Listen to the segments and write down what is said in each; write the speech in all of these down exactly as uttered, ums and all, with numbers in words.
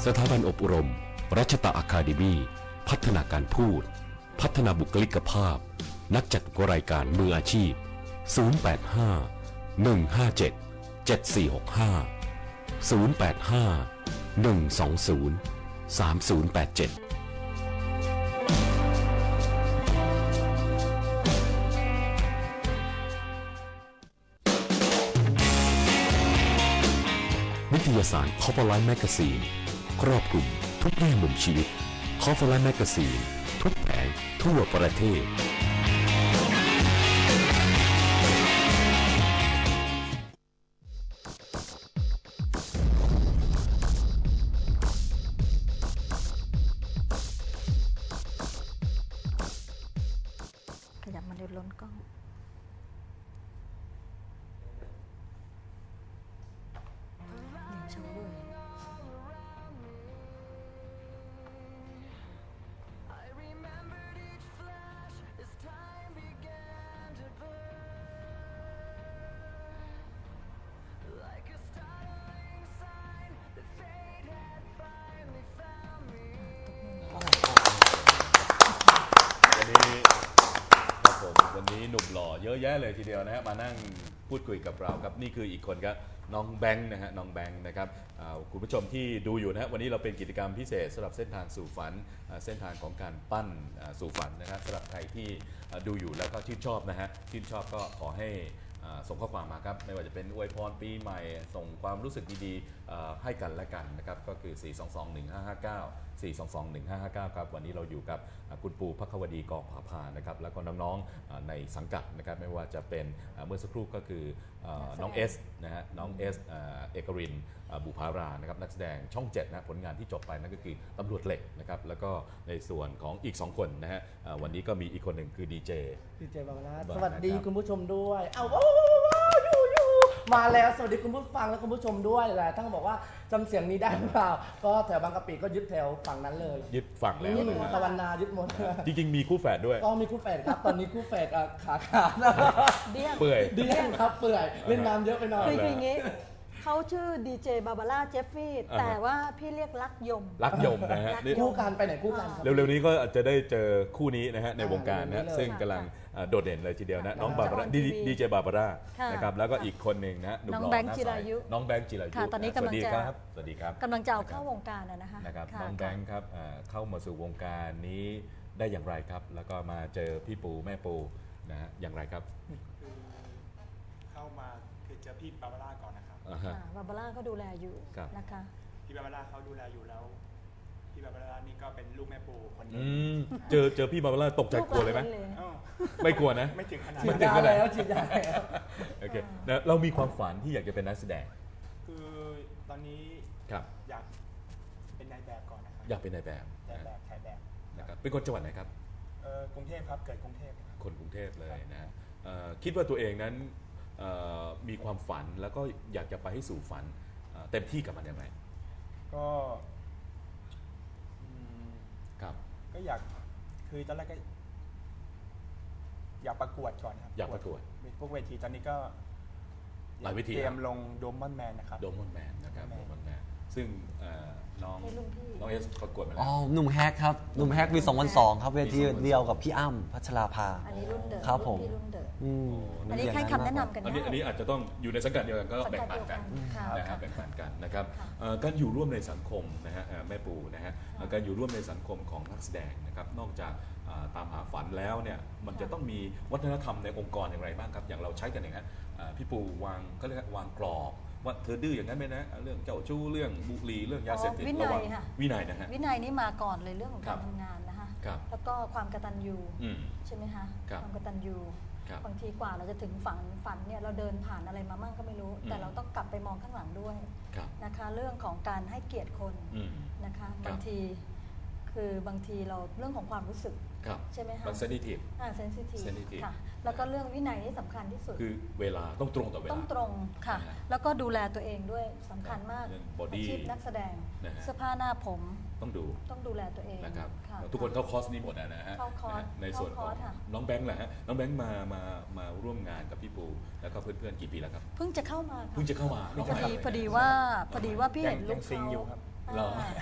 สถาบันอบรมรัชตะอะคาเดมี่พัฒนาการพูดพัฒนาบุคลิกภาพนักจัดรายการมืออาชีพศูนย์ แปด ห้า หนึ่ง ห้า เจ็ด เจ็ด สี่ หก ห้า ศูนย์ แปด ห้า หนึ่ง สอง ศูนย์ สาม ศูนย์ แปด เจ็ดนิตยสาร Cover Life Magazine ครอบคลุมทุกแง่มุมชีวิต Cover Life Magazine ทุกแผงทั่วประเทศขยับมาเดี๋ยวล้นกล้องโชว์ด้วยวันนี้หนุ่มหล่อเยอะแยะเลยทีเดียวนะฮะมานั่งพูดคุยกับเราครับนี่คืออีกคนครับน้องแบงค์นะฮะน้องแบงค์นะครับคุณผู้ชมที่ดูอยู่นะฮะวันนี้เราเป็นกิจกรรมพิเศษสำหรับเส้นทางสู่ฝันเส้นทางของการปั้นสู่ฝันนะครับสำหรับใครที่ดูอยู่แล้วก็ชื่นชอบนะฮะชื่นชอบก็ขอให้ส่งข้อความมาครับไม่ว่าจะเป็นอวยพรปีใหม่ส่งความรู้สึกดีๆให้กันและกันนะครับก็คือ สี่ สอง สอง หนึ่ง ห้า ห้า เก้า สี่ สอง สอง หนึ่ง ห้า ห้า เก้า ครับวันนี้เราอยู่กับคุณปูภัควดีกองผาพานะครับแล้วก็น้องๆในสังกัดนะครับไม่ว่าจะเป็นเมื่อสักครู่ก็คือน้องเอสนะฮะน้องเอสเอกรินบุภารานะครับนักแสดงช่องเจ็ดนะผลงานที่จบไปนั่นก็คือตำรวจเหล็กนะครับแล้วก็ในส่วนของอีกสองคนนะฮะวันนี้ก็มีอีกคนหนึ่งคือดีเจดีเจบางนาสวัสดีคุณผู้ชมด้วยเอาว้าวอยู่อยู่มาแล้วสวัสดีคุณผู้ฟังและคุณผู้ชมด้วยแหละท่านบอกว่าจำเสียงนี้ได้หรือเปล่าก็แถวบางกะปิก็ยึดแถวฝั่งนั้นเลยยึดฝั่งแล้วตะวันนายึดหมดจริงๆมีคู่แฝดด้วยก็มีคู่แฝดครับตอนนี้คู่แฝดขาขาดเดี้ยงเปื่อยเดี้ยงครับเปื่อยเล่นน้ำเยอะไปหน่อยคืออย่างงี้เขาชื่อดีเจบาบาร่าเจฟฟี่แต่ว่าพี่เรียกรักยมรักยมนะฮะคู่กันไปไหนคู่กันเร็วๆนี้ก็จะได้เจอคู่นี้นะฮะในวงการนะซึ่งกำลังโดดเด่นเลยทีเดียวนะน้องบาบาร่าดีเจบาบาร่านะครับแล้วก็อีกคนหนึ่งนะน้องแบงค์จิรายุน้องแบงค์จิรายุตอนนี้กำลังจะสวัสดีครับกำลังจะเข้าวงการนะคะนะครับน้องแบงค์ครับเข้ามาสู่วงการนี้ได้อย่างไรครับแล้วก็มาเจอพี่ปูแม่ปูนะฮะอย่างไรครับคือเข้ามาคือเจอพี่บาบาร่าก่อนนะครับบาบาร่าก็ดูแลอยู่นะคะพี่บาบาร่าเขาดูแลอยู่แล้วพี่บาบาร่านี่ก็เป็นลูกแม่ปูคนนึงเจอเจอพี่บาบาร่าตกใจกลัวเลยไหมไม่กลัวนะไม่ถึงขนาดฉีดยาแล้วฉีดยาแล้วโอเคเรามีความฝันที่อยากจะเป็นนักแสดงคือตอนนี้อยากเป็นนายแบบก่อนนะครับอยากเป็นนายแบบนายแบบถ่ายแบบนะครับเป็นคนจังหวัดไหนครับกรุงเทพครับเกิดกรุงเทพคนกรุงเทพเลยนะคิดว่าตัวเองนั้นมีความฝันแล้วก็อยากจะไปให้สู่ฝันเต็มที่กับมันยังไงก็ครับก็อยากคือตอนแรกก็อยากประกวดก่อนครับอยากประกวดพวกเวทีตอนนี้ก็หลายเวทีเตรียมลงโดมอนแมนนะครับโดมอนแมนนะครับโดมอนแมนซึ่งน้องน้องเอสประกวดมาแล้วอ๋อหนุ่มแฮกครับหนุ่มแฮกปีสองพันสองครับเวทีเดียวกับพี่อ้ำพัชราภาอันนี้รุ่นเดิมครับผมอันนี้ให้คำแนะนำกันอันนี้อันนี้อาจจะต้องอยู่ในสังกัดเดียวกันก็แบ่งปันกันนะครับแบ่งปันกันนะครับการอยู่ร่วมในสังคมนะฮะแม่ปูนะฮะการอยู่ร่วมในสังคมของนักแสดงนะครับนอกจากตามหาฝันแล้วเนี่ยมันจะต้องมีวัฒนธรรมในองค์กรอย่างไรบ้างครับอย่างเราใช้กันอย่างนั้นพี่ปูวางก็เรียกวางกรอบว่าเธอดื้ออย่างนั้นไหมนะเรื่องเจ้าชู้เรื่องบุหรี่เรื่องยาเสพติดระวังวินัยนะฮะวินัยนี่มาก่อนเลยเรื่องของการทำงานนะคะแล้วก็ความกตัญญูใช่ไหมคะความกตัญญูบางทีกว่าเราจะถึงฝันฝันเนี่ยเราเดินผ่านอะไรมามั่งก็ไม่รู้แต่เราต้องกลับไปมองข้างหลังด้วยนะคะเรื่องของการให้เกียรติคนนะคะบางทีคือบางทีเราเรื่องของความรู้สึกใช่ไหมคะมันเซนซิทีฟอ่าเซนซิทีฟค่ะแล้วก็เรื่องวินัยนี่สำคัญที่สุดคือเวลาต้องตรงต่อเวลาต้องตรงค่ะแล้วก็ดูแลตัวเองด้วยสำคัญมากอาชีพนักแสดงเสื้อผ้าหน้าผมต้องดูต้องดูแลตัวเองนะครับทุกคนเข้าคอร์สนี้หมดนะฮะในส่วนของน้องแบงค์แหละฮะน้องแบงค์มามามาร่วมงานกับพี่ปูแล้วก็เพื่อนๆกี่ปีแล้วครับเพิ่งจะเข้ามาเพิ่งจะเข้ามาพอดีพอดีว่าพอดีว่าพี่เห็นลูกเขาเรา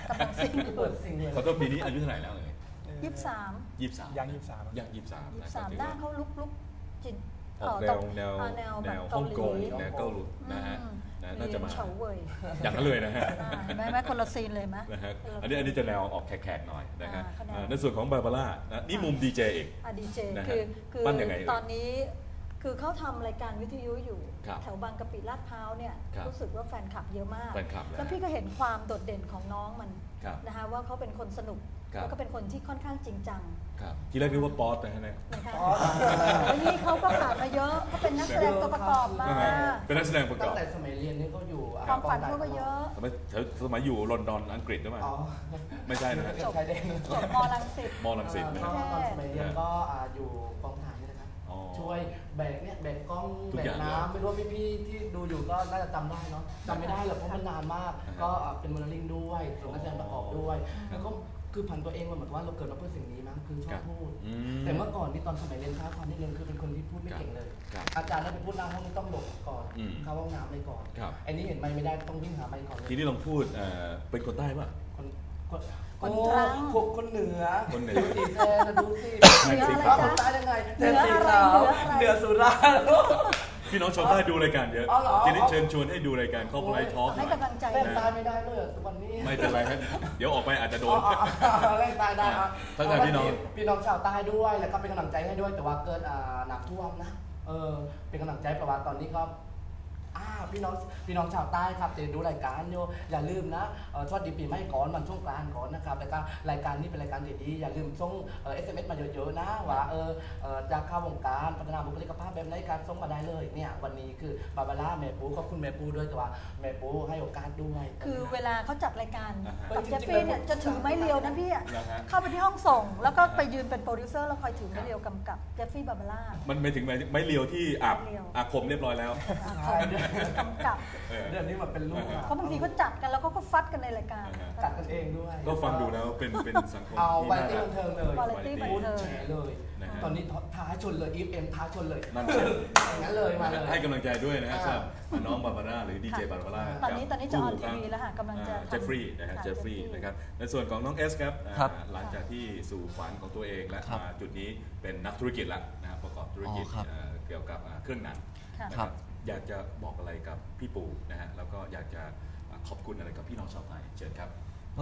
กำลังซิงอยู่เปิดสิ่งเลยขอโทษปีนี้อายุเท่าไหร่แล้วเลยยี่สิบสามยี่สิบสามยังยี่สิบสามยังยี่สิบสามยี่นะสิบสามก็ถือหน้าว่าเขาลุกลุกจินออกแนวแนวอ่าแนวแนแบบวเกาฮ่องหลีกงแนวเกาหลีนะฮะอืมนะน่าจะมาเฉาเว่ยอย่างนั้นเลยนะฮะอ่าเห็นไหมไหมคนละซีนเลยไหมนะฮะเอันนี้อันนี้จะแนวออกแขกๆหน่อยนะฮะอ่าเขาแนวเอ่อในส่วนของบาบาร่านะนี่มุมดีเจเองอ่ะดีเจนะฮะคือคือปั้นยังไงเอ่ยตอนนี้คือเขาทำรายการวิทยุอยู่ครับแถวบางกะปิลาดพร้าวเนี่ยครับรู้สึกว่าแฟนคลับเยอะมากแฟนคลับนะแล้วพี่ก็เห็นความโดดเด่นของน้องมันครับนะคะว่าเขาเป็นคนสนุกครับแล้วก็เป็นคนที่ค่อนข้างจริงจังครับที่แรกนึกว่าป๊อตนะฮะเนี่ยนะคะอ๋อแล้วนี่เขาก็ผ่านมาเยอะเขาเป็นนักแสดงตัวประกอบมาใช่ไหมเป็นนักแสดงประกตั้อง บแต่สมัยเรียนนี่ก็อยู่อ่ความฝันเขาก็เยอะสมัยสมัยอยู่ลอนดอนอังกฤษหรือเปล่าอ๋อไม่ใช่นะฮะชายแดนจบมรังสิตมอลังสิตนะก็ฮะตอนสมัยเรียนก็อ่าอยู่กองถ่ายนี่นะครับอ๋อช่วยแบกเนี่ยแบกกล้องทุกแบอก ย่างน้ำไม่รู้ว่าพี่ๆที่ดูอยู่ก็น่าจะจำได้เนาะจำไม่ได้หรอกเพราะมันนานมากอ่าฮะก็อ่าเป็นโมเดลลิ่งด้วยส่วนนักแสดงประกอบด้วย แล้วก็คือผันตัวเองมาเหมือนว่าเราเกิดมาเพื่อสิ่งนี้มั้งคือชอบพูดอืมแต่เมื่อก่อนนี่ตอนสมัยเรียนค้าความนิดนึงคือเป็นคนที่พูดไม่เก่งเลยครับอาจารย์ได้ไปพูดหน้าห้องนี่ต้องหลบก่อนอืมเข้าห้องน้ำเลยก่อนครับไอ้นี่เห็นไมค์ไม่ได้ต้องวิ่งหาไมค์ก่อนเลยทีนี้ลองพูดเอ่อเป็นคนใต้ป่ะคนคนคนโอ้ตรังคนคนเหนือคนเหนือดูสิแทนนะดูสิเหนืออะไรเอาจ๊ะคนใต้ยังไงเหนืออะไรแทนสีขาวเหนืออะไรเหนือสุราษฎร์พี่น้องชาวใต้ดูรายการเยอะอ๋อเหรอทีนี้เชิญชวนให้ดูรายการครอบครัวไลฟ์ทอล์กหให้น่อยกำลังใจแรงตายไม่ได้เลยเหรอวันนี้ไม่เป็นไรครับเดี๋ยวออกไปอาจจะโดอ๋อน อ๋ออ๋อแรงตายได้อ่ะทักทายพี่น้องพี่น้องชาวใต้ด้วยแล้วก็เป็นกำลังใจให้ด้วยแต่ว่าเกิดอ่าน้ำท่วมนะเออเป็นกำลังใจเพราะว่าตอนนี้ก็อ่าพี่น้องพี่น้องชาวใต้ครับจะดูรายการอยู่อย่าลืมนะเอ่อสวัสดีปีใหม่ก่อนวันช่วงกลางก่อนนะครับแล้วก็รายการนี้เป็นรายการดีๆอย่าลืมส่งเอ่อ เอส เอ็ม เอส มาเยอะๆนะว่าเออเอ่อจะเข้าวงการพัฒนาบุคลิกภาพแบบไหนการส่งมาได้เลยเนี่ยวันนี้คือบาบาร่าแม่ปูขอบคุณแม่ปูด้วยแต่ว่าแม่ปูให้โอกาสด้วยคือเวลาเขาจัดรายการอ่าฮะกับเจฟฟี่เนี่ยจะถือไม้เรียวนะพี่อะนะฮะเข้าไปที่ห้องส่ง แล้วก็ไปยืนเป็นโปรดิวเซอร์แล้วคอยถือไม้เรียวกำกับเจฟฟี่บาบาร่ามันไม่ถึงไม้ไม้เลียวที่อาบไม้เรียวอาคมเรียบร้อยแล้วใช่ด้วยกำกับเออเดือนนี้มันเป็นลูกอะเพราะบางทีเขาจัดกันแล้วก็ก็ฟัดกันในรายการอ่าฮะกัดกันเองด้วยก็ฟังดูแล้วเป็นเป็นสังคมเอาที่วาไรน่าตี้รับักนเทิงเลยวาไรตี้บันเทิงแฉเลยนะฮะตอนนี้ท้าชนเลยอีฟเอ็มท้าชนเลยนั่นสิอย่างนั้นเลยมาเลยให้กำลังใจด้วยนะฮะอ่าสำหรับน้องบาบาร่าหรือดีเจบาบาร่าตอนนี้ตอนนี้จะออนทีคู่วีแล้วค่ะกำลังจะอ่าทำเจฟฟรีย์นะฮะค่ะเจฟฟรีย์ Jeffrey นะครับในส่วนของน้องเอสครับอ่าครับหลังจากที่สู่ฝันของตัวเองและครับมาจุดนี้เป็นนักธุรกิจแล้วนะครับประกอบธุรกิจอ๋อครับเอ่อเกี่ยวกับอ่าเครื่องหนังค่ะนะคครัรับ บอยากจะบอกอะไรกับพี่ปู่นะฮะแล้วก็อยากจะอ่าขอบคุณอะไรกับพี่น้องชาวไทยเชิญครับก็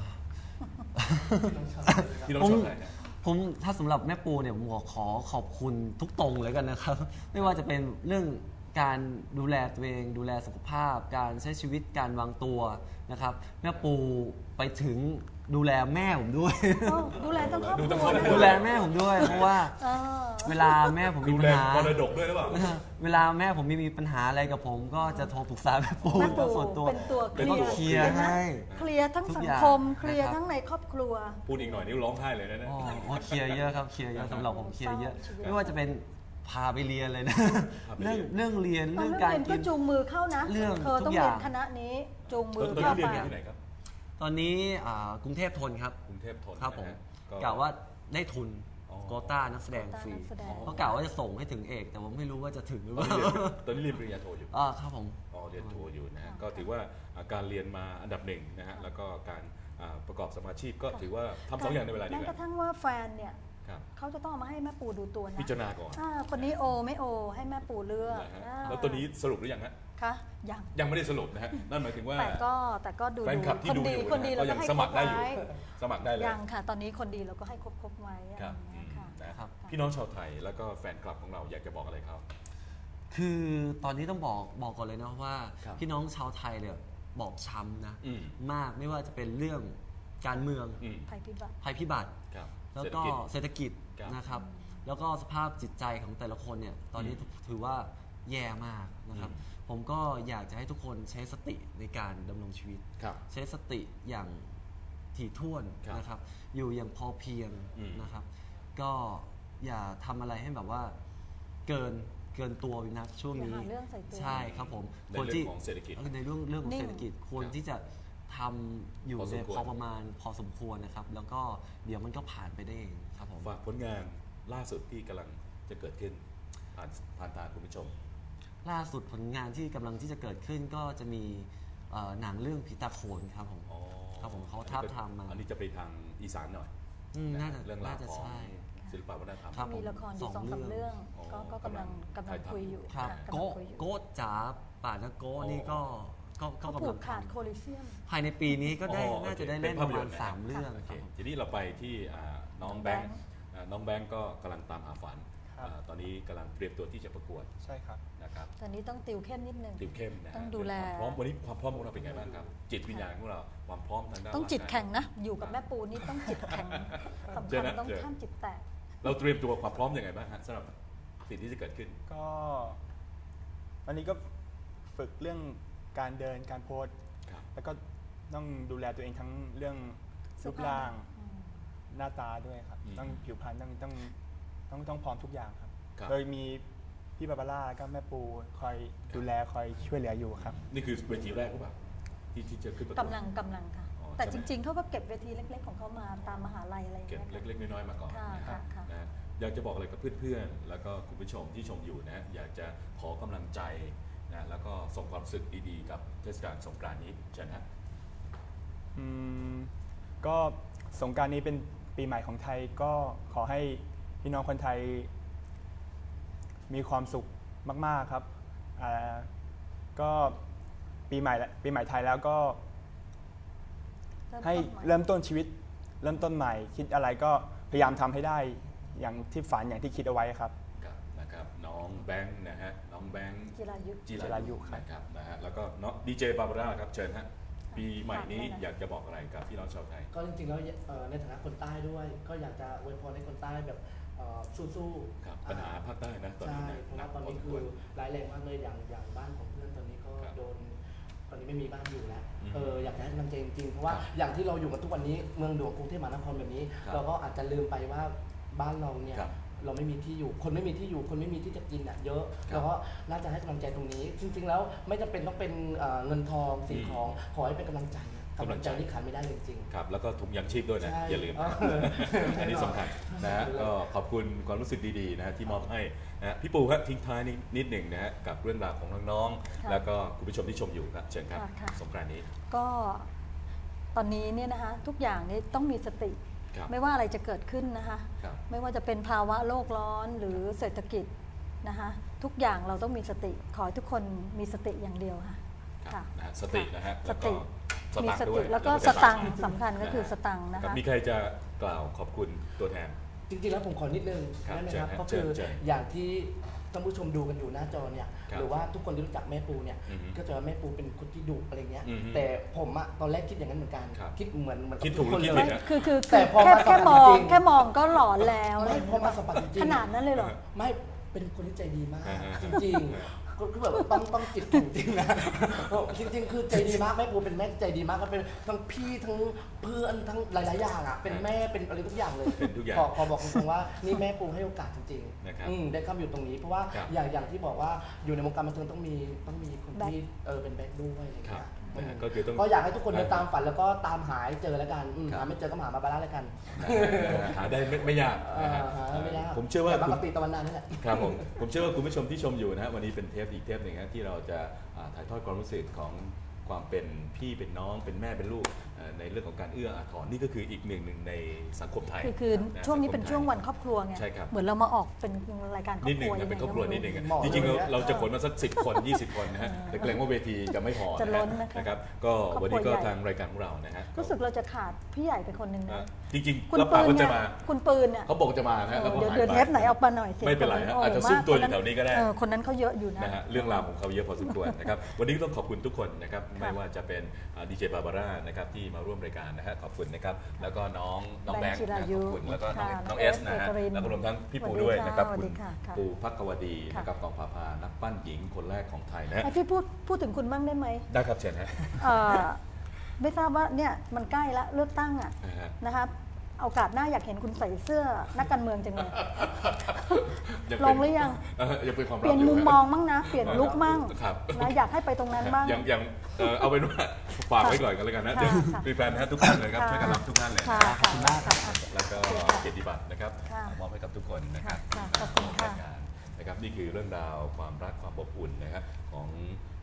พี่น้องชาวไทยนะผมถ้าสำหรับแม่ปูเนี่ยผมขอขอขอบคุณทุกตรงเลยกันนะครับ ไม่ว่าจะเป็นเรื่องการดูแลตัวเอง ดูแลสุขภาพ การใช้ชีวิตการวางตัวนะครับ แม่ปูไปถึงดูแลแม่ผมด้วยโอ้ดูแลทั้งครอบคดูรัทั้งครอบวครันะดูแลแม่ผมด้วย เพราะว่าเออเวลาแม่ผมมีดูปัแลญหามรดกด้วยหรือเปล่าเวลาแม่ผมมีมีปัญหาอะไรกับผม ก็จะโทรปรึกษาแม่ปูแม่ปูส่วนตัวเป็นตัวเคลียร์แล้วก็เคลียร์ให้เคลียร์ทั้งทุกสังอย่างคม เคลียร์นะครับทั้งในครอบครัวพูดอีกหน่อยนี่ร้องไห้เลยนะเนี่ยอ๋อโอ้เคลียร์เยอะครับ เคลียร์เยอะสำหรับผมเคลียร์เยอะชีวิตไม่ว่าจะเป็นพาไปเรียนเลยนะพาไปเรีเรื่ยอน งเรื่องเรียนตอนเรื่องนั้นการเรียนกิก็นจูงมือเข้านะเรื่องเธอต้องทุกอเรียย่าน งคณะนี้จูงมืตออนนี้เข้าเรียนไปอยู่ที่ไหนครับตอนนี้อ่ากรุงเทพทนครับกรุงเทพทนครับผมนะฮะกล่าวว่าได้ทุนอ๋อโกต้านักแสดงฟรีโควต้านักแสดงเพราะกล่าวว่าจะส่งให้ถึงเอก แต่ผมไม่รู้ว่าจะถึงหรือตอเปนล่านี้เรียนตอนนี้เรียนปริญญาโทอยู่อ่าครับผมอ๋อเรียนโทอยู่นะฮะก็ถือว่าอ่าการเรียนมาอันดับหนึ่งนะฮะแล้วก็การอ่าประกอบสมาชีพก็ถือว่าทำสองอย่างในเวลาเดียวแม้กกัระนทั่งว่าแฟนเนี่ยครับเขาจะต้องเอามาให้แม่ปูดูตัวนะพิจารณาก่อนอ่าคนนี้โอไม่โอให้แม่ปูเลือกนะฮะอ่าแล้วตัวนี้สรุปหรือยังฮะคะยังยังไม่ได้สรุปนะฮะนั่นหมายถึงว่าแต่ก็แต่ก็ดูแฟนคลับที่คนดูดีอยู่คนดีนะเราก็ก็ยังให้สคมัรคบรได้อยู่ไว้สมัครได้เลยยังค่ะ ตอนนี้คนดีเราก็ให้ครบครบไว้ครับอย่างเงี้ยค่ะนะครับครับพี่น้องชาวไทยแล้วก็แฟนคลับของเราอยากจะบอกอะไรเขาคือตอนนี้ต้องบอกบอกก่อนเลยนะว่าครับพี่น้องชาวไทยเนี่ยบอบช้ำนะอืมมากไม่ว่าจะเป็นเรื่องการเมืองอืมภัยพิบัติภัยพิบัติครับแล้วเศรษฐก็กิจเศรษฐกิจครับนะครับ แล้วก็สภาพจิตใจของแต่ละคนเนี่ยตอนนี้อืมถือว่าแย่มากนะครับอืมผมก็อยากจะให้ทุกคนใช้สติในการดำรงชีวิตครับใช้สติอย่างถี่ถ้วนครับนะครับ อยู่อย่างพอเพียงอืมนะครับ ก็อย่าทำอะไรให้แบบว่าเกินเกินตัวไปนักช่วงนี้อย่าหาเรื่องใส่ตัวใช่ครับผมในเรื่องของเศรษฐกิจในเรื่องเรื่องของนิ่งเศรษฐกิจควรครับที่จะทำอยู่พอสในมควรพอประมาณพอสมควรนะครับ แล้วก็เดี๋ยวมันก็ผ่านไปได้เองครับผมฝากผลงานล่าสุดที่กำลังจะเกิดขึ้นผ่านผ่านตาคุณผู้ชมล่าสุดผลงานที่กำลังที่จะเกิดขึ้นก็จะมีเอ่อหนังเรื่องผีตาโขนครับผมอ๋อครับผมเขาทาบทามมาอันนี้จะไปทางอีสานหน่อยอืมน่าจะเรื่องราวน่าจะของใช่ศิลปวัฒนธรรมครับมีละครอยู่สองสามเรื่องอ๋อก็ก็กำลังกำลังคุยอยู่ครับค่ะกำลัโกงคุยอยู่โกจ๋าป่านะโกนี่ก็ก็ก็เขากำผูลังกขาดทำโคลิเซียมภายในปีนี้ก็ได้อ๋อน่าจะได้โอเคเล่นเป็นปภาพระยมาน ณตร์สามเรื่องโอคเครับผมทีนี้เราไปที่อ่าน้องแบงค์อ่าน้องแบงค์ก็กำลังตามหาฝันครับอ่าตอนนี้กำลังเตรียมตัวที่จะประกวดใช่ครับนะครับตอนนี้ต้องติวเข้มนิดนึงติวเข้มนะฮะต้องดูแลความพร้อมวันนี้ความพร้อมของเราเป็นไงบ้างครับ จิตวิญญาณของเราความพร้อมทางด้านต้องจิตร่ากายแข็งนะ อยู่กับแม่ปูนี่ต้องจิตแข็งสำเจอคัญนะต้องเจอข้ามจิตแตกเราเตรียมตัวความพร้อมยังไงบ้างฮะสำหรับสิ่งที่จะเกิดขึ้นก็วันนี้ก็ฝึกเรื่องการเดินการโพสครับแล้วก็ต้องดูแลตัวเองทั้งเรื่องรูปร่างหน้าตาด้วยครับอืมต้องผิวพรรณต้องต้องต้องต้องพร้อมทุกอย่างครับครับโดยมีพี่บาบาร่าแล้วก็แม่ปูคอยดูแลคอยช่วยเหลืออยู่ครับนี่คือเวทีแรกหรือเปล่าที่ที่จะขึ้นประกวดกำลังกำลังค่ะอ๋อแต่ใช่จไหมริง ๆเขาก็เก็บเวทีเล็ก ๆ ของเขามาตามมหาลัยอะไรอย่างเก็บเงี้ยค่ะเล็กๆน้อยๆมาก่อนค่ะนะฮะค่ะค่ะนะฮะอยากจะบอกอะไรกับเพื่อนๆ แล้วก็คุณผู้ชมที่ชมอยู่นะฮะอยากจะขอกำลังใจนะแล้วก็ส่งความรู้สึกดีๆกับเทศกาลสงกรานต์นี้เชิญฮะอืมก็สงกรานต์นี้เป็นปีใหม่ของไทยก็ขอให้พี่น้องคนไทยมีความสุขมากๆครับอ่าก็ปีใหม่ละปีใหม่ไทยแล้วก็เริ่มให้ต้นใหม่เริ่มต้นชีวิต เริ่มต้นใหม่ คิดอะไรก็พยายามทำให้ได้อย่างที่ฝันอย่างที่คิดเอาไว้ครับครับนะครับน้องแบงค์นะฮะน้องแบงค์จิรายุจิจิรายุครับนะครับนะฮะแล้วก็น้องดีเจบาบาร่าครับเชิญฮะปีใหม่นี้ฝากด้วยนะอยากจะบอกอะไรกับพี่น้องชาวไทยก็จริงๆแล้วเอ่อในฐานะคนใต้ด้วย ก็อยากจะอวยพรให้คนใต้แบบเอ่อสู้ๆครับปัญหาภาคใต้นะตอนใช่นี้นะเพราะหนัว่าก ตอนพอนี้สมคืควอรร้ายแรงมากเลยอย่างอย่างบ้านของเพื่อนตอนนี้ก็ครับโดนตอนนี้ไม่มีบ้านอยู่แล้วอืมเอออยากจะให้กำลังใจจริงๆเพราะว่าครับอย่างที่เราอยู่กันทุกวันนี้เมืองหลวงกรุงเทพมหานครแบบนี้ครับเราก็อาจจะลืมไปว่าบ้านเราเนี่ยครับเราไม่มีที่อยู่ คนไม่มีที่อยู่ คนไม่มีที่จะกินอ่ะเยอะครับเราก็น่าจะให้กำลังใจตรงนี้ จริง ๆ แล้วไม่จำเป็นต้องเป็นเอ่อเงินทองสิ่งของขอให้เป็นกำลังใจอะกำลังใจที่ขาดไม่ได้เลยจริงครับแล้วก็ถุงยังชีพด้วยนะใช่อย่าลืมนะเอออันนี้สำคัญนะฮะก็ขอบคุณความรู้สึกดีๆนะฮะที่มอบให้นะฮะพี่ปูครับทิ้งท้ายนิดนิดหนึ่งนะฮะกับเรื่องราวของน้องๆค่ะแล้วก็คุณผู้ชมที่ชมอยู่ครับเชิญครับค่ะค่ะสงกรานต์นี้ก็ตอนนี้เนี่ยนะคะทุกอย่างนี่ต้องมีสติครับไม่ว่าอะไรจะเกิดขึ้นนะคะครับไม่ว่าจะเป็นภาวะโลกร้อนหรือเศรษฐกิจนะคะทุกอย่างเราต้องมีสติขอให้ทุกคนมีสติอย่างเดียวค่ะครับค่ะนะฮะสตินะฮะสแล้วติก็สมีตังสค์ด้ติวยแล้วก็แล้วก็สตังค์สตังค์สำคัญก็คือสตังค์นะครัคะบมีใครจะกล่าวขอบคุณตัวแทนจริงๆแล้วผมขอนิดนึงครับได้ไหมเชิญครับฮะก็คือเชิญเชิญอย่างที่ท่านผู้ชมดูกันอยู่หน้าจอเนี่ยครับหรือว่าทุกคนที่รู้จักแม่ปูเนี่ยอือฮึก็จะว่าแม่ปูเป็นคนที่ดุอะไรเงี้ยอือฮึแต่ผมอะตอนแรกคิดอย่างนั้นเหมือนกันครับคิดเหมือนเหมือนบคิดถูกหรือทุนคิดเลผิยดนะคือคือแต่พอแค่มาสัมผัสแค่มองจริงแค่มองก็หลอนแล้วไม่พอมาสัมผัสจริงๆขนาดนั้นเลยเหรอไม่เป็นคนที่ใจดีมากอ่าฮะจริงๆก็คือแบบต้องต้องจิตถึงจริงนะจริง ๆ คือใจดีมากแม่ปูเป็นแม่ใจดีมากก็เป็นทั้งพี่ทั้งเพื่อนทั้งหลายๆอย่างอ่ะเป็นแม่เป็นอะไรทุกอย่างเลยเป็นทุกอย่างขอขอบอกตรงๆว่านี่แม่ปูให้โอกาสจริงนะครับๆอืมได้เข้ามาอยู่ตรงนี้เพราะว่าครับอย่างอย่างที่บอกว่าอยู่ในวงการบันเทิงต้องมีต้องมีคนที่เออเป็นแบ็คด้วยอะไรอย่างครัเงี้บยนะฮะอืมก็คือต้องก็อยากให้ทุกคนเดินตามฝันแล้วก็ตามหายเจอแล้วกันอืมครับหาไม่เจอก็มาหาบาบาร่าแล้วกันนะฮะหาได้ไม่ไม่ยากเอนะอฮะหาไม่ยากผมเชื่อว่าแต่คุปณกติตะวันนานี่แหละครับผมผมเชื่อว่าคุณผู้ชมที่ชมอยู่นะฮะวันนี้เป็นเทปอีกเทปหนึ่งนะที่เราจะอ่าถ่ายทอดความรู้สึกของความเป็นพี่เป็นน้องเป็นแม่เป็นลูกเอ่อในเรื่องของการเอื้ออาทรนี่ก็คืออีกหนึ่งหนึ่งในสังคมไทยคือคือนะช่วงนี้สัคมเป็นช่วงวันครอบครัวไงใช่ครับเหมือนเรามาออกเป็นรายการครอนิดบหคนึ่งรัวนะเป็นครอบครัวนิดหนึ่งอะเหมาะจริงๆเลยเรานะเราจะขนมาสักสิบคนยี่สิบคนนะฮะแต่เกรงว่าเวทีจะไม่พอจะล้นนะนะคะนะครับก็ครอบครัววันนี้ก็ใหญ่ทางรายการของเรานะฮะรู้สึกเราจะขาดพี่ใหญ่ไปคนหนึ่งอ่ะนะจริงคุๆณรับปืปากนว่าเนี่จะยมาคุณปืนเนี่ยเขาบอกจะมานะฮะแล้วก็เดี๋ยวหายเดี๋ยวไปเทปไหนเอามาหน่อยสิไม่เป็นไรฮะโอาจจะซุ่มตัวอยู่แถวนี้ก็ได้เออคนนั้นเขาเยอะอยู่นะนะฮะเรื่องราวของเขาเยอะพอสมควรนะครับ วันนี้ก็ต้องขอบคุณทุกคนนะครับค่ะไม่ว่าจะเป็นดีเจบาบาร่านะครับที่มาร่วมรายการนะฮะขอบคุณนะครับ แล้วก็น้องน้องแบงค์แบงค์จิรานะยุขอบคุณแล้วก็น้องค่ะน้องเอสนะฮะเอกรินแล้วก็รวมทั้งพี่ปูสวัสดีด้วยค่ะนะครับสวัสคุดีณค่ะค่ะปูพักกวดีค่ะนะครับกองผาพานักปั้นหญิงคนแรกของไทยนะฮะให้พี่พูดพูดถึงคุณบ้างได้ไหมได้ครับเชิญฮะเอ่อไม่ทราบว่าเนี่ยมันใกล้ละเลือกตั้งอ่ะนะฮะนะคะโอกาสหน้าอยากเห็นคุณใส่เสื้อนักการเมืองจังเลยยังลเป็นงหรือยังเออยังเป็นความเปลัลี่บยนอยู่มุมฮะมองมั่งนะ เปลี่ยนลุคมั่งครับนะอยากให้ไปตรงนั้นบ้างยังยังเอ่อเอาเป็นว่าฝากไว้ก่อนกันแล้วกันนะค่ะเดี๋ยวค่ะมีแฟนนะฮะทุกท่านเลยครับค่ะช่วยกันรับทุกท่านเลยค่ะนะขอบคุณมากค่ะแล้วก็เกียรติบัตรนะครับค่ะมอบให้กับทุกคนนะครับค่ะขอบคุณค่ะรายการนะครับนี่คือเรื่องราวความรักความอบอุ่นนะครับของ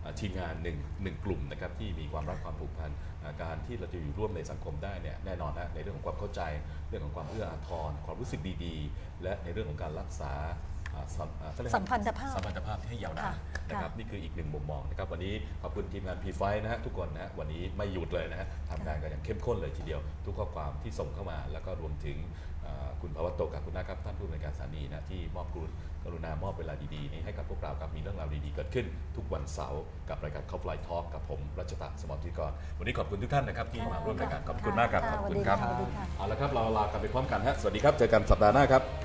ทีมงานหนึ่งหนึ่งกลุ่มนะครับที่มีความรักความผูกพันการที่เราจะอยู่ร่วมในสังคมได้เนี่ยแน่นอนนะในเรื่องของความเข้าใจเรื่องของความเอื้ออาทรความรู้สึกดีๆและในเรื่องของการรักษาสัมพันธภาพสัมพันธภาพที่ให้ยาวนานนะครับนี่คืออีกหนึ่งมุมมองนะครับวันนี้ขอบคุณทีมงาน พี ไฟว์ นะฮะทุกคนนะฮะวันนี้ไม่หยุดเลยนะฮะทำงานกันอย่างเข้มข้นเลยทีเดียวทุกข้อความที่ส่งเข้ามาแล้วก็รวมถึงคุณภวัตโตกับคุณนะครับท่านผู้อำนวยการสถานีนะที่มอบกรุณกรุณามอบเวลาดีๆนี้ให้กับพวกเราครับมีเรื่องราวดีๆเกิดขึ้นทุกวันเสาร์กับรายการ Cop Line Talk กับผมรัชตะสมรธิกรวันนี้ขอบคุณทุกท่านนะครับที่มาร่วมรายการขอบคุณมากครับขอบคุณครับเอาละครับเราลากันไปพร้อมกันฮะสวัสดีครับเจอกันสัปดาห์หน้าครับ